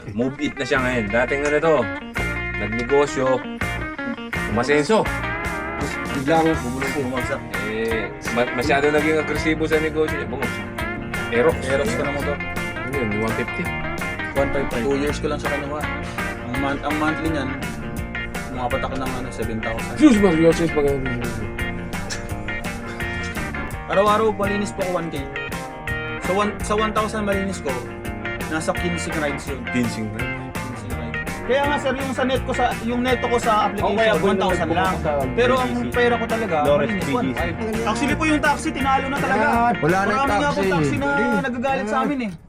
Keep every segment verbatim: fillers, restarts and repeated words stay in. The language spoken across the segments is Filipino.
Move it na siya ngayon. Dating ano to, nagnegosyo, umasenso. Biglang bumulong bumagsak. Eh, ma- masyado naging agresibo sa negosyo niya. Bungos. Aerox. Aerox ka na mo to. Ano yun, one fifty. one fifty-five. two years ko lang siya kinuha. Ang, month, ang monthly niyan, umapat ako ng ano, seven thousand. Sus, Mario, sus, pag... Araw-araw malinis po ko one K. So one, sa one thousand malinis ko, nasa fifteen rides yun. Ginseng na. fifteen rides. Kaya nga sir, yung sa net ko sa yung neto ko sa Oh, kaya application one thousand lang. Pero ang pera ko talaga, malinis one five. Actually po yung taxi tinalo na talaga. Wala na Marami nga po taxi. taxi na nagagalit sa amin eh.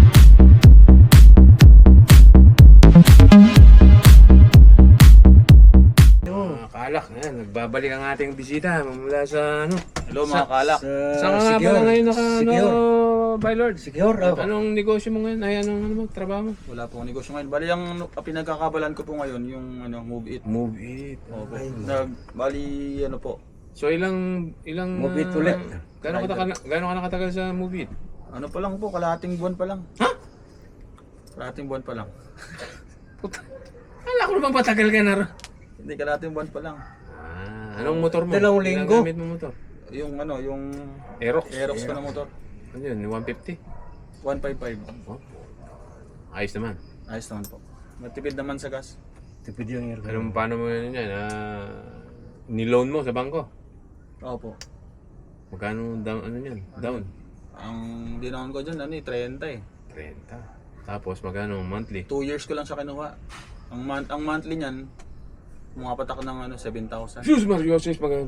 Mga kalak, ayan, nagbabalik ang ating bisita mula sa ano. Hello mga kalak. Saan ka nga pala ngayon naka, ano, by Lord? Secure, oh. Anong negosyo mo ngayon? Ay, anong ano mo, trabaho mo? Wala po akong negosyo ngayon. Bali ang pinagkakabalan ko po ngayon yung ano, Move It. Move it. Opo. Nag bali ano po. So ilang, ilang... Move it ah, ulit. Gano'n ka, gano'n ka nakatagal sa Move it? Ano pa lang po, kalahating buwan pa lang. Ha? Kalahating buwan pa lang. Puta. Kala ko naman patagal ka na rin. Hindi, kalahating buwan pa lang. Ah, anong motor mo? Dalawang Ilang linggo. gamit mo motor? Yung ano, yung Aerox. Aerox ko na motor. Ano yun, one fifty? one fifty-five. Oh. Ayos naman. Ayos naman po. Matipid naman sa gas. Tipid yung air. Anong paano mo yun yan? Ah, niloan mo sa bangko? Opo. Magkano down, ano yan? Down? Ang dinaon ko dyan, ano eh, thirty eh. thirty. Tapos magkano monthly? Two years ko lang siya kinuha. Ang, month, ang monthly niyan, umapat ako ng ano, seven thousand. Sus, Mario, sus, magkano?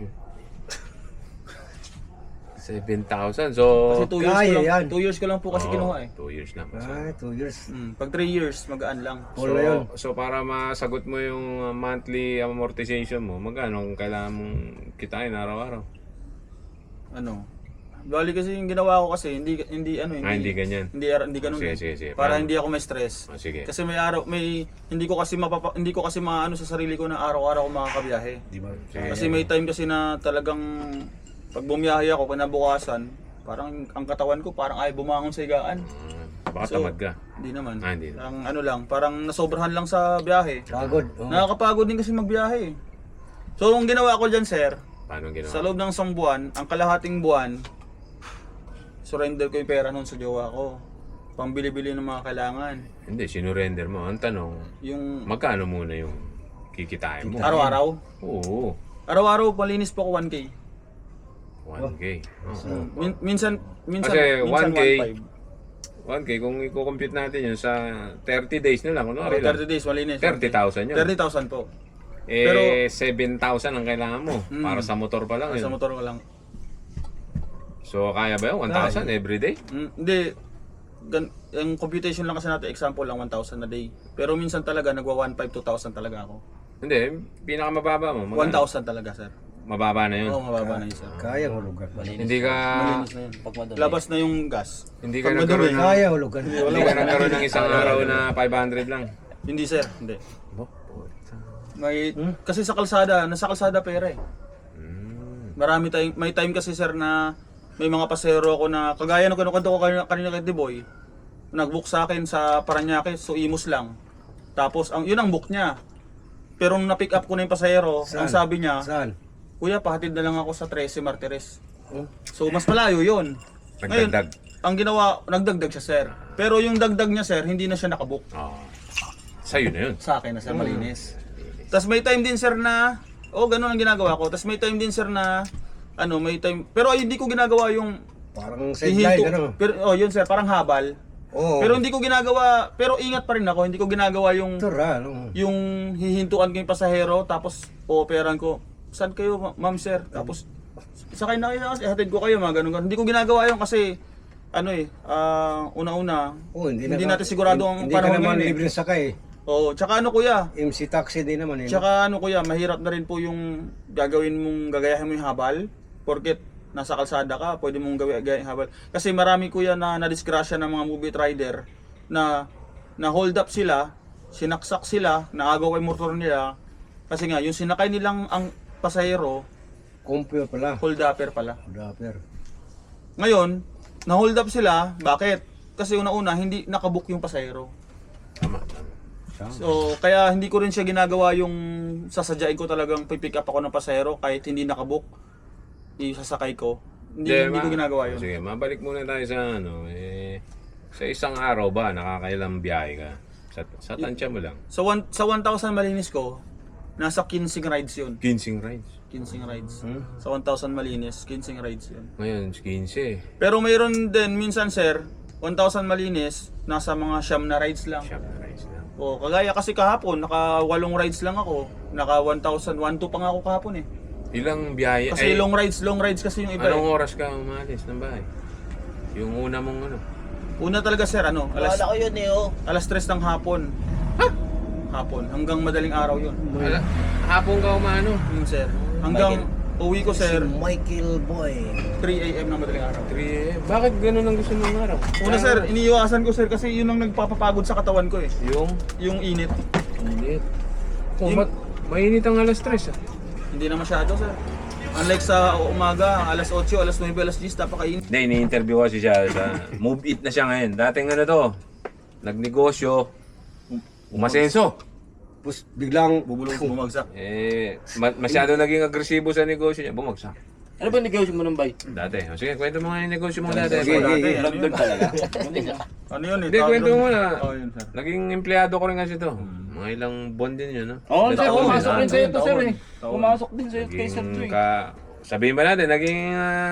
seven thousand. So, Kasi two years, kaya ko lang, yan. two years ko lang po kasi Oo, kinuha eh. two years lang. So, Ah, two years. Hmm. Pag three years, magaan lang. so, Wala yun. so para masagot mo yung uh, monthly amortization mo, magkano ang kailangan mong kitain araw-araw? Ano? Bali kasi yung ginawa ko kasi hindi hindi ano hindi Ah, hindi ganyan. Hindi hindi ganun. Sige, eh. sige, sige. Para Paano? hindi ako ma-stress. Oh, sige. Kasi may araw may hindi ko kasi mapapa, hindi ko kasi maano sa sarili ko na araw-araw ako makakabiyahe. Di ba? Sige. Kasi may time kasi na talagang pag bumiyahe ako kinabukasan, parang ang katawan ko parang ay bumangon sa higaan. Ah, baka So, tamad ka. Hindi naman. Ah, hindi. Parang ano lang, parang nasobrahan lang sa biyahe. Pagod. Oh. Nakakapagod din kasi magbiyahe. So, ang ginawa ko diyan, sir, Paano ang ginawa? sa loob ng isang buwan, ang kalahating buwan, surrender ko yung pera nun sa jowa ko. Pambili-bili ng mga kailangan. Hindi, sinurrender mo. Ang tanong, Yung magkano muna yung kikitain mo? araw-araw. Oo, Araw-araw, palinis po ko one K. one K. Oo. Min- minsan, minsan, Kasi minsan one K, one five. one K, kung i-compute natin yun sa thirty days na lang, Okay, kunwari lang, thirty days, malinis. thirty thousand yun. thirty thousand po. Eh, Pero- seven thousand ang kailangan mo Mm. para sa motor pa lang Sa yun. motor ko lang. So, kaya ba yun? one thousand every day? Mm, hindi. Gan, yung computation lang kasi natin, example lang one thousand a day. Pero minsan talaga, nagwa one five, two thousand talaga ako. Hindi, pinakamababa mo. magkano? one thousand talaga, sir. Mababa na yun. Oo, mababa na yun, sir. Kaya hulugan. Hindi ka, Malinis na yun. Labas na yung gas. hindi ka Pag nagkaroon madumi, ng, Kaya hulugan. hindi ka nagkaroon ng isang araw na five hundred lang. Hindi, sir. Hindi. May, kasi sa kalsada, nasa kalsada pera eh. Mm. Marami tayong, may time kasi sir na may mga pasero ako na, kagaya ng kinukwento ko kanina, kanina kay Diboy, nag-book sa akin sa Paranaque, so Imus lang. Tapos, ang, yun ang book niya. Pero nung na-pick up ko na yung pasahero, ang Saan? sabi niya, Saan? Kuya, pahatid na lang ako sa thirteen Martires. Oh. So, mas malayo yun. Nagdagdag. ang ginawa, nagdagdag siya sir. Pero yung dagdag niya sir, hindi na siya nakabook. Oh. Sa'yo na yun. Sa akin na sir, malinis. Tapos may time din sir na, oh ganun ang ginagawa ko. Tapos may time din sir na, ano, may time, pero ay, hindi ko ginagawa yung Parang sideline, hihinto. ano? Pero, oh yun sir, parang habal. Oo. Pero hindi ko ginagawa, pero ingat pa rin ako, hindi ko ginagawa yung, Tura, ano? yung hihintuan ko yung pasahero, tapos ooperan ko, saan kayo ma- ma'am sir? Tapos, sakay na kayo, ihatid ko kayo, mga ganun, ganun. Hindi ko ginagawa yun kasi, ano eh, ah, una-una, Oh, hindi, hindi na, natin sigurado ang hindi ka panahon naman ngayon eh. libre sakay. Oo, tsaka ano kuya, M C taxi din naman. Eh, no? tsaka ano kuya, mahirap na rin po yung gagawin mong, gagayahin mo yung habal, porket nasa kalsada ka, pwede mong gawin gagayahin yung habal. Kasi marami kuya na nadisgrasya ng mga movie rider na na hold up sila, sinaksak sila, naagaw yung motor nila, kasi nga, yung sinakay nilang ang pasahero, Kumpyo pala. hold upper pala. Dapper. Ngayon, na hold up sila, bakit? Kasi una-una, hindi nakabook yung pasahero. Tama, tama. So, kaya hindi ko rin siya ginagawa yung sasadyain ko talagang pipick up ako ng pasahero kahit hindi nakabook. Isasakay ko. Hindi, hindi ko ma- ginagawa yun. Sige, mabalik muna tayo sa ano, eh, sa isang araw ba, nakakailang biyahe ka? Sa, sa tansya mo lang. So, one, sa one thousand malinis ko, nasa kinsing rides yun. Ginseng rides. Kinsing rides. Hmm? Sa one thousand malinis, kinsing rides yun. Ngayon, quince. Pero mayroon din, minsan sir, one thousand malinis, nasa mga siyam na rides lang. Shop na rides lang. O, kagaya kasi kahapon, naka walong rides lang ako. Naka one thousand, one two pa nga ako kahapon eh. Ilang biyahe? Kasi ay, long rides, long rides kasi yung iba Anong eh. oras ka umalis ng bahay? Yung una mong ano? Una talaga sir, ano, alas, Wala ko yun eh, oh. alas tres ng hapon. Ha? Hapon, hanggang madaling araw yun. Ala, hapon ka umano? Yun sir. Hanggang uwi ko Si sir, Michael Boy. three a m ng madaling araw. three a m. Bakit ganun ang gusto mong araw? Una sir, iniiwasan ko sir kasi yun ang nagpapapagod sa katawan ko eh. Yung Yung init. init. Kung Yung- ba't mainit ang alas tres ah? Hindi na masyado sir. Unlike sa umaga, alas eight, alas nine, alas ten, napakainit. Hindi, ini-interview ko siya sa Move It na siya ngayon. Dating ano to, nagnegosyo, umasenso. Tapos biglang Bubulong bumagsak. Eh, ma- masyado naging agresibo sa negosyo niya, bumagsak. Ano ba negosyo mo nung bay? Dati. O sige, kwento mo nga yung negosyo mo dati. Sige, Dati, sige. ano yun? Doon talaga. Ano yun eh? Hindi, tawag kwento doon. mo na. Oh, yun sir. Naging empleyado ko rin kasi to. Mga ilang buwan din yun, no? Oo, Ilang sir, taon pumasok din, rin ah. sa'yo to, sir eh. Taon. Pumasok din sa'yo kay Sir Naging Joy. ka... Sabihin ba natin, naging...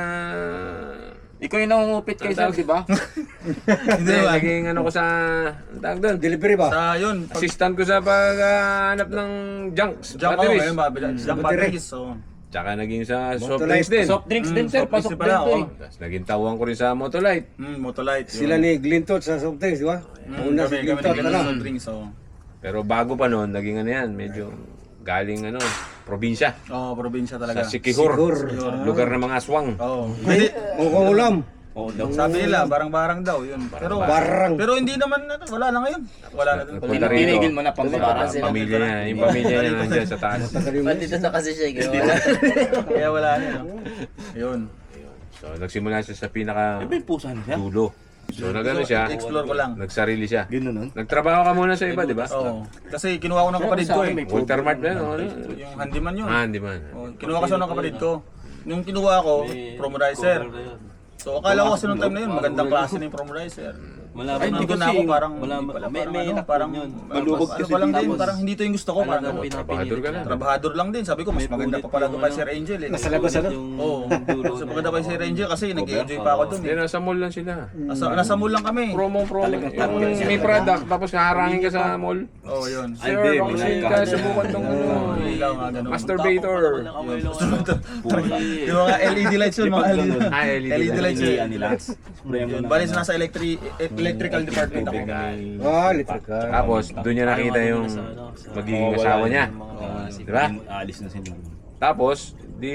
ah, Ikaw yung nangungupit kay Sir, di ba? Hindi, naging ano ko sa... Ang tawag doon? delivery ba? Sa yun, pag Assistant ko sa paghanap ng junks, jump ako batteries. ngayon, babila. Jump battery. batteries. So, Tsaka naging sa soft Motolite. drinks din. Soft drinks din, Mm, sir. soft Pasok drinks din pala, to oh. eh. Tapos naging tawang ko rin sa Motolite. mm, Motolite. yun. Sila ni Glintot sa soft drinks, di ba? Mm, Una kami, si kami Glintot naging na lang. soft drinks. Oh. Pero bago pa noon, naging ano yan, medyo galing ano, probinsya. Oh, probinsya talaga. Sa Sikihor, Sikihor. lugar ng mga aswang. Oh. Hindi, Mukhang ulam. Oo daw. sabi nila, barang-barang daw yun. Pero Barang. pero hindi naman, ano, wala na ngayon. Wala na doon. Nagpunta rito. Tinigil mo na pangbabaran Sa sila. pamilya niya, yung pamilya niya nandiyan sa taas. Bandito na kasi siya, gano'n. Kaya wala na. no? Yun. So nagsimula siya sa pinaka Iba yung pusa niya. dulo. So nagano siya, Explore ko lang. nagsarili siya. Gano'n nun? Nagtrabaho ka muna sa iba, di ba? Oo. Kasi kinuha ko ng kapatid ko eh. Walter Mart ba? Ano? Yung handyman yun. Ah, hindi man. Oh, kinuha kasi ako ng kapatid ko. Yung kinuha ko, promodizer. So akala ko kasi nung time na yun, magandang klase na yung promodizer. Wala Ay, hindi ko na ako parang, wala, hindi pala, may, parang may ano, lakad parang, yun. ano Malubog ano kasi pa lang din, tapos- parang hindi to yung gusto ko. Parang, Talagang Trabahador ka na. trabahador lang din. Sabi ko, mas maganda pa pala to kay Sir Angel eh. Nasa labas ano? Oo, mas maganda pa kay Sir Angel kasi nag-enjoy pa ako dun Hindi, eh. nasa mall lang sila. Nasa, nasa mall lang kami. Promo, promo. Yung may product, tapos kaharangin ka sa mall. Oo, yun. Ay, Sir, hindi, baka may kasi nagka- ka subukan tong ano. Ilaw nga ganun. Masturbator. Yung mga L E D lights yun, mga L E D. Ah, L E D L E D lights yun. nila. Yun. Bali sa nasa electric electrical department ako. Ah, electrical. Tapos, doon niya nakita yung magiging asawa niya. Di ba? Aalis na sila. Tapos, di...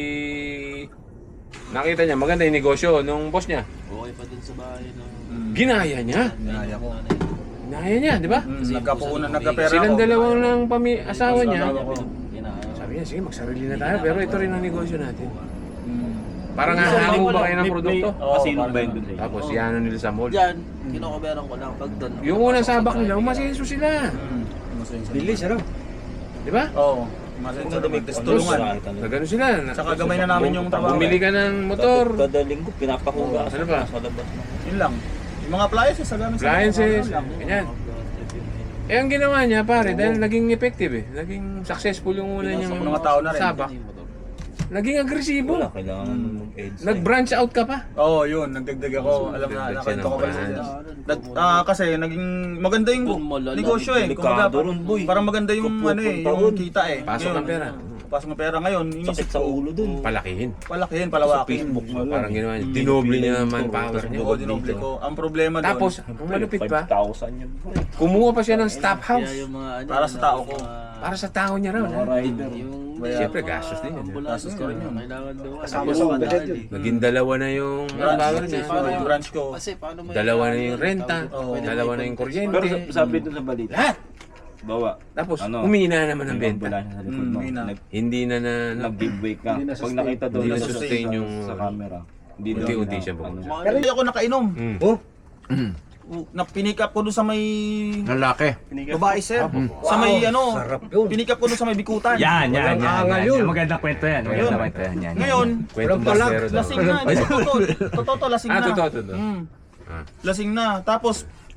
Nakita niya, maganda yung negosyo nung boss niya. Okay pa dun sa bahay na... Ginaya niya. Naya ko. Ginaya niya, di ba? Mm, nagkapuunan, nagkapera ako. Silang dalawang ng pami asawa niya. Asawa ko. Sabi niya, sige, magsarili na tayo. Pero ito rin ang negosyo natin. Mm. Parang hahango ba kayo ng produkto? Oo, Kasino parang ba yun dun? Tapos, yan nila sa mall. Diyan, kinukuberan ko lang pag doon. Yung unang sabak nila, umasenso sila. Mm. Masaya siya. Bilis, ano? Di ba? Oo. Masaya siya. Tapos tulungan. Nagano sila. Tsaka gamay na namin yung trabaho. Bumili ka ng motor. Kada linggo, pinapakuga Ano ba? sa labas na. Yun lang. Yung mga appliances sa gamit sa Appliances. mga- lang. Ganyan. Eh, ang ginawa niya, pare, dahil naging effective eh. Naging successful yung una niyang ng mga tao na rin. sabak. Naging agresibo. Wala, kailangan mag-edge. Nag-branch out ka pa. Oo, oh, yun. Nagdagdag ako. Alam na, Nagdagdag siya nakita ko ng pala branch. siya. Nag- ah, kasi naging maganda yung Boom, malala. negosyo eh. Delikado Kumbaga, ron, boy. parang maganda yung Kapwa ano eh, punta yung ron. kita eh. Pasok Ngayon, ang pera. Pasok ng pera. Ngayon, Sakit inisip sa ko, ulo dun. Palakihin. palakihin, palawakin. Facebook mo lang. Parang ginawa niya. Dinoble niya ang manpower niya. Oo, dinoble ko. Ang problema doon, Tapos, ang malupit pa, five thousand yun. kumuha pa siya ng staff house. Kaya yung mga ano, para sa tao ko. Para sa tao niya raw. Mga rider. yung Siyempre, gastos din yun. ambulansya ko rin yun. Kailangan daw. Tapos, budget yun. Naging dalawa na yung manpower niya. Paano yung branch ko? Kasi paano mo Dalawa na yung renta. Dalawa na yung Pero kuryente. sabi dun sa balita. Lahat! Bawa. Tapos, Ano? umina naman ang benta. Ambulansya sa likod Mm, mo. umina. Nag- Hindi na na, na Nag-giveaway ka. Hindi na Pag sustain. nakita doon Hindi na sa- sustain sa- yung- sa camera. Hindi daw Unti-unti na- siya bumagsak. ano. Pero hindi ako nakainom. Mm. Oh, na pinick up ko doon sa may Lalaki. babae sir. Sa may ano, sarap yun. pinick up ko doon sa may bikutan. Yan, yan, Walang yan. angal yan, yun. yan. Magandang kwento yan. Magandang kwento yan. yan. Ngayon, Kwentong Walang basero daw. lasing na, hindi totoo. Totoo to, lasing Ah, na. totoo, totoo. Mm. Ah. Lasing na. Tapos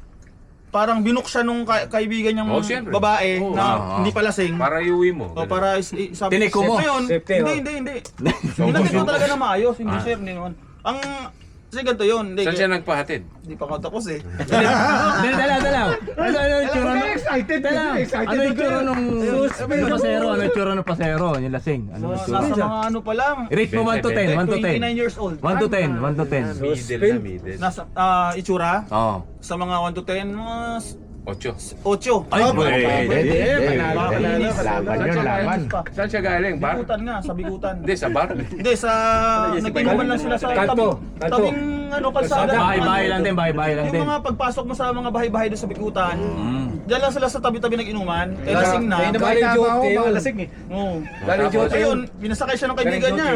parang binuk siya nung ka- kaibigan niyang Oh, siyempre. babae Oh, na ah, hindi pa lasing. Para iuwi mo. O para is, i- sabi Tiniko mo. Ngayon, Safety, hindi, oh. hindi, hindi. Hinatid ko talaga na maayos, hindi sir, hindi naman. Ang, kasi ganito yun, hindi, Saan siya nagpahatid? hindi pa ako tapos eh. Hindi, dala, dala. Ano, ano yung tsura nung... Excited, Dala, excited. ano yung tsura nung... Yung pasero, ano yung tsura nung pasero? Yung lasing. Ano yung So, tsura? nasa mga ano pa lang, Rate mo one to ten, one to ten. twenty-nine years old. one to ten, one to ten. Middle na middle. Nasa ah, itsura, Oo. sa mga one to ten, mga Ocho. ocho. Ay, pwede. Panalo, panalo. Laban yun, laban. Saan siya galing? Bar? Bikutan nga, sa bikutan. Hindi, sa bar. Hindi, sa nag-inuman lang sila sa Kanto, tabing, kanto. tabing ano, kalsada. Bahay-bahay lang din, bahay-bahay lang din. Yung mga pagpasok mo sa mga bahay-bahay doon sa bikutan, Mm. diyan lang sila sa tabi-tabi nag-inuman, eh lasing na. Galing duty yun. Lasing eh. Oo. Galing Tapos, duty yun. Ayun, pinasakay siya ng kaibigan niya.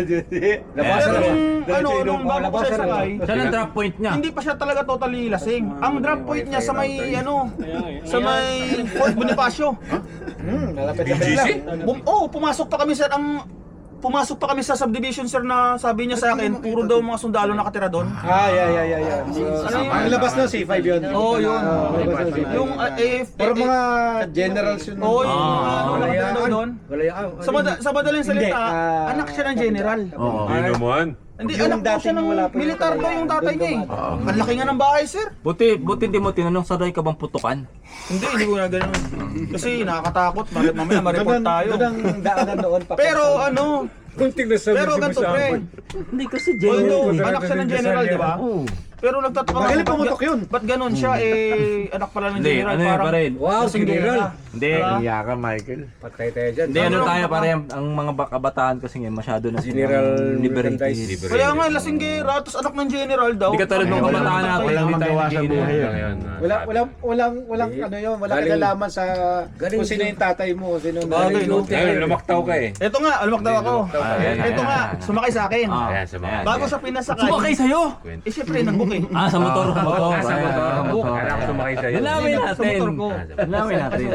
Labasan Pero na. nung ano, nung bago ko siya sakay, Saan ang drop point niya? hindi pa siya talaga totally lasing. Ang drop point niya sa may ano, sa may Fort Bonifacio. Malapit B G C? Bum oh, pumasok pa kami sir ang pumasok pa kami sa subdivision sir na sabi niya sa akin, puro daw mga sundalo nakatira doon. Ah, yeah, yeah, yeah, yeah. So, Ano yun? ang labas na C five yun. Oo, yun. Ah, labas na C five. Yung uh, eh, Pero eh, mga generals yun. Oo, yung Ah, mga ano, nakatira daw doon. Walayaan. Sa, mada- sa madaling salita, Hindi, ah, anak siya ng general. Oo. Hindi naman. Hindi, Yung anak daw siya dating ng wala pa yung militar daw yung tatay niya eh. Ang laki nga ng bahay, sir. Buti, buti hindi mo tinanong sanay ka bang putukan? Hindi, hindi ko na ganun. Kasi nakakatakot, Mar- mamaya ma-report Ganun- tayo. ganun ang daanan doon. pa- Pero ano, Kunting na sabi pero ganito pre. Hindi kasi Although, general. anak siya ng general, di ba? Oo. Pero nagtataka Magaling ba't- pumutok yun. Ba't ganun siya eh, anak pala ng Hindi, general, ano yun parang pa rin? Wow, kasing general. gera. Hindi. Diba? Iya ka, Michael. Patay tayo dyan. Hindi, ano Ano? tayo pare, ang mga ba- kabataan kasi ngayon masyado na General liberties. merchandise. Kaya nga, lasing gera, tapos anak ng general daw. Hindi ka tulad ng kabataan natin, Walang hindi tayo magawa sa nag-iingat. buhay yun. Wala, walang, walang, walang, ano yun, walang Galing- kinalaman sa galing kung sino yung tatay mo, sino yung Bagay, nanay mo. no? Ayun, lumaktaw ka eh. Ito nga, almak daw ako. Ah, yan, Ito yan, nga, yan. sumakay sa akin. Ah, Ayan, sa mga- ayan. Bago siya pinasakay. Sumakay sa'yo? Eh, syempre, nag-book eh. Ah, sa motor, sa motor. Ah, sa motor. Ayan, Book. Kala ko sumakay sa'yo. Dalawin Sa natin. motor ko. Dalawin natin.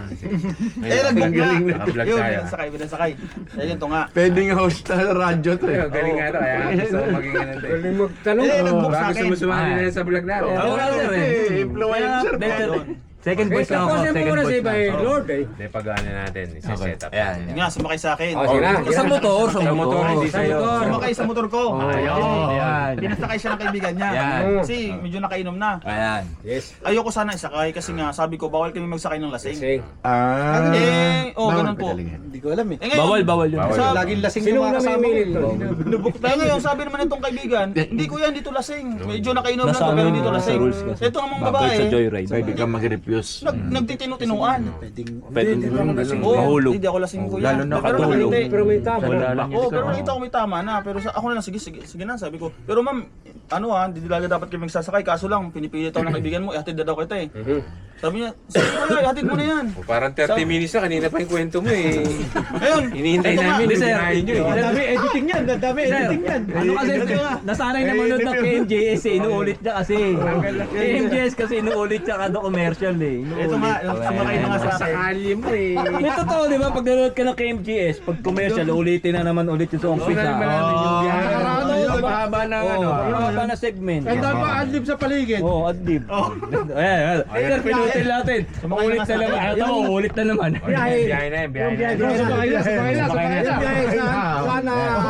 Eh, nag-book nga. Naka-vlog Yun, tayo. pinasakay, pinasakay. Eh, yun to nga. Pwedeng host na radyo to Ayun, galing nga to. Kaya gusto ko maging ano to eh. Galing magtanong. Eh, nag-book sa Baka akin. gusto mo sumali na sa vlog natin. Oo, sir eh. Influencer Kaya, pa. dahil- Second voice lang ako, Kasi second muna si voice Iba lang. eh, Lord eh. Hindi, pag-ano natin. Isa-set up. Ayan. Yun nga, sumakay sa akin. Oh, sige na. Sa motor, sa Sa motor, motor. hindi Sa sa'yo. motor. Sumakay sa motor ko. Ayun, ayan. Pinasakay siya ng kaibigan niya. Yan. Kasi medyo nakainom na. Ayan. Yes. Ayoko sana isakay kasi nga sabi ko bawal kami magsakay ng lasing. Sing. Ah. Eh, oh, ganun po. Hindi ko alam eh. Eh, ngayon, Bawal, bawal yun. Bawal. Sa, Laging lasing Sino yung mga na kasama may ko. Nubuk tayo ngayon, sabi naman itong kaibigan, hindi ko yan dito lasing. Medyo nakainom na Nasa to, pero ano dito yun, lasing. sa rules kasi. Ito ang mga Bawal sa babae, joyride. Pwede ka mag-refuse. nag, nagtitinu-tinuan. Pwede Oo, mahulog. hindi ako lasing ko Lalo yan. na Pero katulog. nakita- Pero may tama. Wala lang Oo, yun. pero nakita ko may tama na. Pero sa, ako na lang, sige, sige, sige na, sabi ko. Pero ma'am, ano ha, hindi talaga dapat kami magsasakay. Kaso lang, pinipilit ako ng kaibigan mo, ihatid na daw kita eh. Sabi niya, sige kuya, ihatid mo na yan. O, Parang thirty minutes na, kanina pa yung kwento mo eh. Ayun, Hinihintay ito nga. namin, Hindi, sir. hinahin nyo Ang eh. dami editing yan, ang dami editing yan. Ano kasi, nasanay na manood ng K M J S eh, inuulit niya kasi. K M J S kasi inuulit siya kada commercial eh. Inuulit. Ito nga, yung sumakay na nga sa akin. Sakali mo eh. May totoo, di ba? Pag nanonood ka ng K M G S, pag commercial, ulitin na naman ulit yung sa umpisa. naman natin yung biyahe. Ano, Yung mahaba na ano. Yung mahaba na segment. Ang dami pa adlib sa paligid. Oo, oh, adlib. Ayan, ayan. Sir, pinutin natin. Sumakay Ulit na na nga sa naman. akin. Ito, ulit na naman. Biyahe na yun, biyahe na yun. Sumakay na, sumakay na, sumakay na. Sana.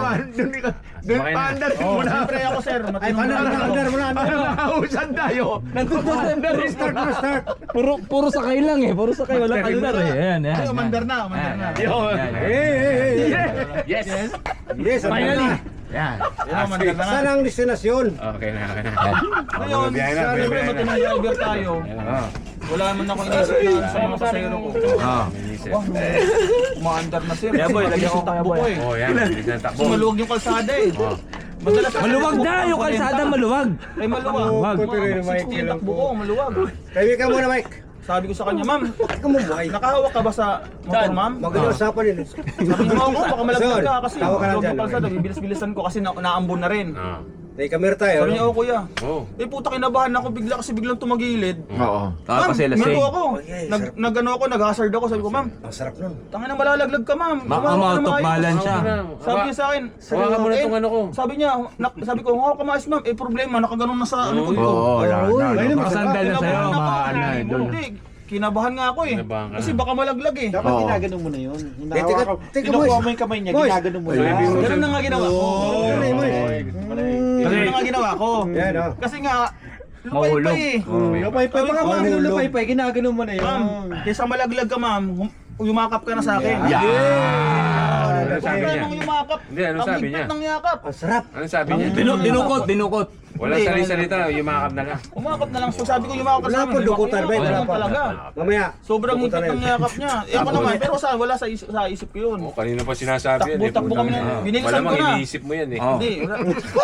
Doon pa andar Oh, siyempre ako sir, Ay, matinong paano driver na, ako. under mo na, under mo na. Nausan tayo. Nandun sa sender. Restart, restart. Puro, puro sakay lang eh. Puro sakay. Walang andar eh. Ayan, ayan. Ay, umandar na, umandar na. Yun. Eh, eh, eh. Yes. Yes, Finally. na. Yan. Yan, umandar na nga. Saan ang destinasyon? Okay na, okay na. Ngayon, Biyahe na, siyempre biyahe na. matinong driver tayo. Wala naman ako inisip na sa mga pasahero ko. Ah. Wah, umaandar na sir. Yeah, boy, Kasi lagyan ko mabilis yung kaya, takbo boy. ko eh. Oh, yan. Bilis na takbo. Kasi maluwag yung kalsada eh. Madalas Maluwag na yung kalsada, maluwag. Ay, maluwag. Maluwag. Mga sixty yung takbo ko, maluwag. Tayo ka muna, Mike. Sabi ko sa kanya, ma'am, Bakit ka mumuhay? nakahawak ka ba sa motor, ma'am? Maganda usapan yun eh. Sabi niya, ako, baka malaglag ka kasi Tawa ka lang maluwag dyan. yung kalsada, bibilis-bilisan ko kasi na naambon na rin. Ah. May camera tayo. Sabi niya, oh kuya. Oo. Eh puta, kinabahan ako bigla kasi biglang tumagilid. Oo. Tapos kasi lasing. Ma'am, ako. Oh, yeah, Nag, sarap. nag-ano ako, nag-hazard ako. Sabi ko, ma'am, Ang sarap nun. tangin na malalaglag ka, ma'am. Ma- Hawakan out ka na of maayos." balance siya. Sabi niya sa akin, Hawakan mo na eh, itong ano ko. Sabi niya, nak, sabi ko, hawakan ka maayos, ma'am. Eh problema, nakaganon na sa ano ko. Oo, wala Uy, na. ayun, Nakasandal na sa'yo. Kinabahan ako. maano eh, doon. Hindi, kinabahan nga ako eh. Kinabahan ka Kasi na. baka malaglag eh. Dapat Oo. ginaganon mo na yun. Eh, teka, Hinahawakan, teka, kinukuha boys. mo yung kamay niya, Boys. ginaganon mo Ay, na. ibig mo- Ganun na nga ginawa ko. Ano yun, boys? Ganun na nga ginawa ko. Yan, oh. Kasi nga, Mahulog. lupay-pay eh. Lupay-pay pa nga Sabi ko, mga mahulog. lupay-pay, ginaganon mo na yun. Ma'am, kaysa malaglag ka ma'am, hum- yumakap ka na sa akin. Yeah. Yeah. Ano sabi niya? Nung yumakap, Hindi, ano ang sabi higpit niya? ng yakap. Ang sarap. Ano sabi niya? Dinu- dinukot, dinukot. Wala Hindi. sali-salita, yumakap na lang. Umakap na lang. So sabi ko yumakap ka Wala sa po, amin. dukutan, Yumakap Ben, ka wala lang pa. talaga. Mamaya. Sobrang dukutan higpit na ng yun. yakap niya. Eh ako naman, pero sa, wala sa, is- sa isip ko yun. Oh, kanina pa sinasabi yan. Takbo, eh, takbo putang kami na- ina. binilisan Malamang ko na. iniisip mo yan eh. Oh. Hindi. wala.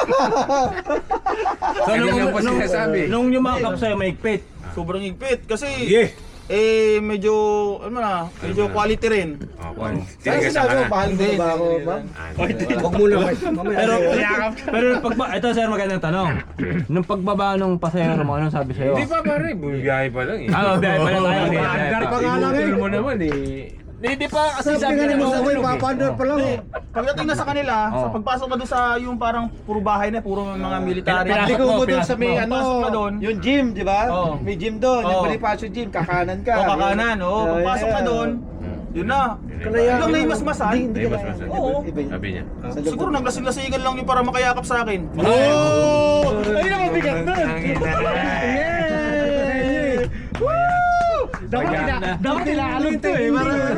So, Ganyan nung, lang pa nung, sinasabi. nung yumakap sa'yo, maigpit. Sobrang higpit. Kasi, Yeah. eh, medyo, ano na, medyo quality rin. Oh, well, Kaya tinigasan sinabi ka mo, na. mahal mo Hindi, ba ako, hindi, ma'am? Ah, Huwag muna, boys. Mamaya. Pero, pero pag ito sir, magandang tanong. Nung pagbaba nung pasahero mo, anong sabi sa'yo? Hindi pa pare, bumibiyahe pa lang eh. Ah, biyahe pa lang tayo. Paandar pa nga lang eh. Inutil mo naman eh. Hindi pa kasi Sabi nga ni na- Mama, boy, papaandar pa lang. Hindi. Pagdating na sa kanila, sa Oh. pagpasok na doon sa yung parang puro bahay na, puro mga military. Pinasok Hindi ko mo doon sa may Pinasok ano, Pasok ka doon. yung gym, di ba? Oo. May gym doon, yung Oo. Bonifacio gym, kakanan ka. O kakanan, o. Yeah, Pagpasok yeah. na doon, yun na. Kalaya. Ilang naimasmasan. Ay, mas mas. Oo. Iba yun. Sabi niya. Siguro naglasing-lasingan lang yung para makayakap sa akin. Oh! Ayun ang mabigat nun! Dapat ina, dapat inaalon to eh.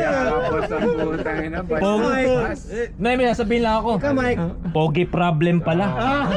Pogi. Nay, may sasabihin lang ako. Ikaw, Mike. Pogi problem pala.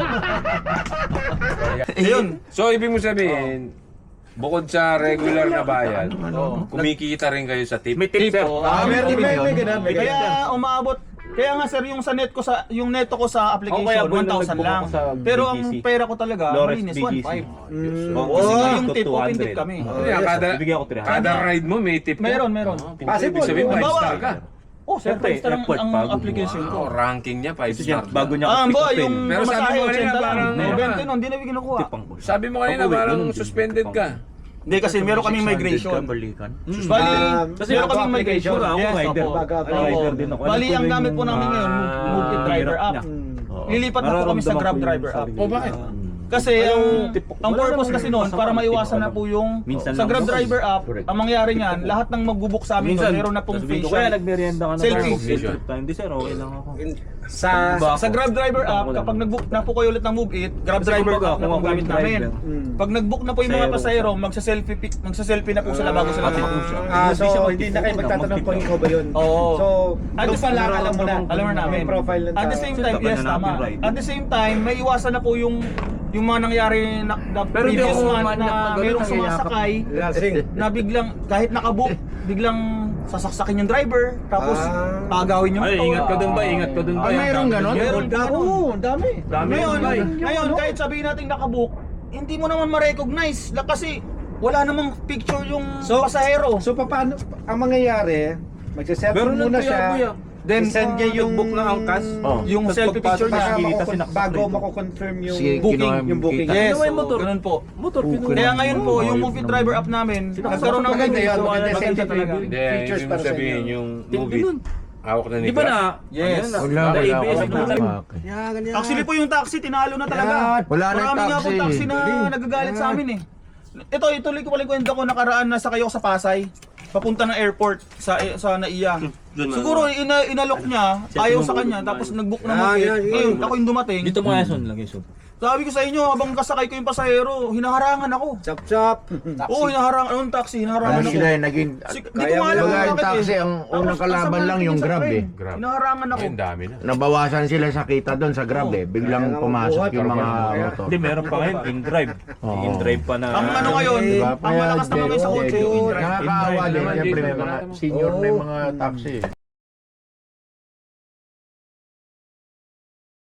Ayun. So, ibig mo sabihin, bukod sa regular na bayad, kumikita rin kayo sa tip. May tip, sir. Ah, meron May- may- may ganun, may ganun. Kaya umaabot. Kaya nga sir, yung sa net ko sa yung neto ko sa application Oh, kaya one thousand nagbuka lang. ko sa Pero B G C. ang pera ko talaga Lawrence malinis B G C. one point five. Oo. Kasi nga yung To tip, open two tip hundred. kami. Kaya kada, Bibigyan ko three hundred. kada ride mo may tip ka. Meron, meron. Ibig sabihin, five Halimbawa, star ka. Oh, sir, Siyempre, five star ang, effort, ang pagod mo. application ko. Oh, ranking niya, five star. Bago niya Ah, pick ba, upin. yung Pero sabi pamasahe, mo kanina, eighty lang. parang- twenty nun, hindi na kinukuha. Tipang boss. Sabi mo kanina, Pag-uwi, parang ganun din. suspended ka. Hindi kasi meron kaming migration. Balikan. Bali, Um, Kasi meron ako kaming migration. application, ako Yes, rider. opo. Baga, Oo. rider din ako. Bali, Ano ang tuloy gamit po yung- namin ngayon, Move- Ah, Move It Driver hirap app. niya. Mm. Lilipat na po kami sa Nararamdaman Grab ko yung Driver app. sarili Oh, ko. bakit? Kasi ang, tipo- ang wala purpose naman kasi eh. noon, para Masama, maiwasan tipo na po yung Minsan sa lang Grab ako. Driver app, Correct. ang mangyari niyan, lahat ng magbubook sa amin doon, meron na pong sasabihin ko, facial. Kaya nagmerienda ka na Selfie. tayo. Selfie time. Hindi sir, okay lang ako. Sa Ba sa ako? Grab Driver Ba app, ako lang. kapag nag-book na po kayo ulit ng Move It, Grab Kasi Driver kumbaga, app na kung po ako gamit yung namin. driver. Pag nag-book na po yung mga Pasahero. pasahero, magsa-selfie pic- magsa-selfie na po sila bago sila Ate, mag siya. Ah, so Hindi siya hindi na kayo magtipid, magtatanong kung magtipid. ikaw ba yun. Oo. So, At doon the pa same lang time, alam mo na. alam mo namin. May profile ng At the tao. same Sir, time, taban yes, na natin tama. ride. At the same time, may iwasan na po yung yung mga nangyari na, na Pero hindi previous ako month manyak na na ganun, merong nangyayakap. sumasakay Lasing. na biglang kahit nakabook, biglang sasaksakin yung driver tapos Ah. agawin yung Ay, motor. ingat ka dun ba? Ingat ka dun ba? Ah, mayroong ganon? Meron ganon. Oo, ang dami. Dami Ngayon, yun, bay. ngayon kahit sabihin natin nakabook, hindi mo naman ma-recognize la- kasi wala namang picture yung So, pasahero. So, paano, ang mangyayari, magsaselfie Meron muna lang siya, kuya, kuya. Then, send niya yung nag-book ng angkas. Oh. yung Tapos selfie picture pagpasok niya, sa Bago, Kita, mako- sinaksak bago rito. mako-confirm yung Sige, booking, kinuha mo yung booking. kita. yes, Ano ba yung so, motor? ganun po. Motor, pinuha. Kaya ngayon po, yung Move It Driver app namin, nagkaroon ng Maganda yun, maganda maganda safety talaga. review. Hindi, Features ibig mo para sa sabihin inyo. yung Tindi movie. nun. Hawak na ni Di ba na? Yes. Ano Wala, na, wala A B S, ako. wala. Yan, ganyan. Actually po yung taxi, tinalo na talaga. Wala na yung Marami nga po taxi. taxi na nagagalit sa amin eh. Ito, ituloy ko pala yung kwento ko, nakaraan na sa kayo sa Pasay. Papunta ng airport sa sa Naiya. Siguro ina, inalok niya, ayaw sa kanya, tapos nag-book na Ah, Move It. yan, yan. Ngayon, ako yung dumating. Dito mga son lang yung Sabi ko sa inyo, habang kasakay ko yung pasahero, hinaharangan ako. Chop chop. Oo, hinaharangan, anong taxi, hinaharangan Ano ako. sila eh, naging... Si- Di ko Kaya nga alam mo Baga kung yung bakit taxi, eh. ang Tapos, unang kalaban kasama lang natin yung sa Grab train. eh. Grab. Hinaharangan ako. Ayun, dami na. Nabawasan sila sa kita doon sa Grab eh. Biglang Kaya nga pumasok mabuhat, yung mga kaya- motor. Hindi, meron pa ngayon, in-drive. Oo. In-drive pa na. Ang ano ngayon, Diba? ang malakas naman ngayon sa Kaya, kotse yung in-drive. nakakaawa din. In-drive Siyempre may naman, mga in-drive senior na yung Oo. mga taxi.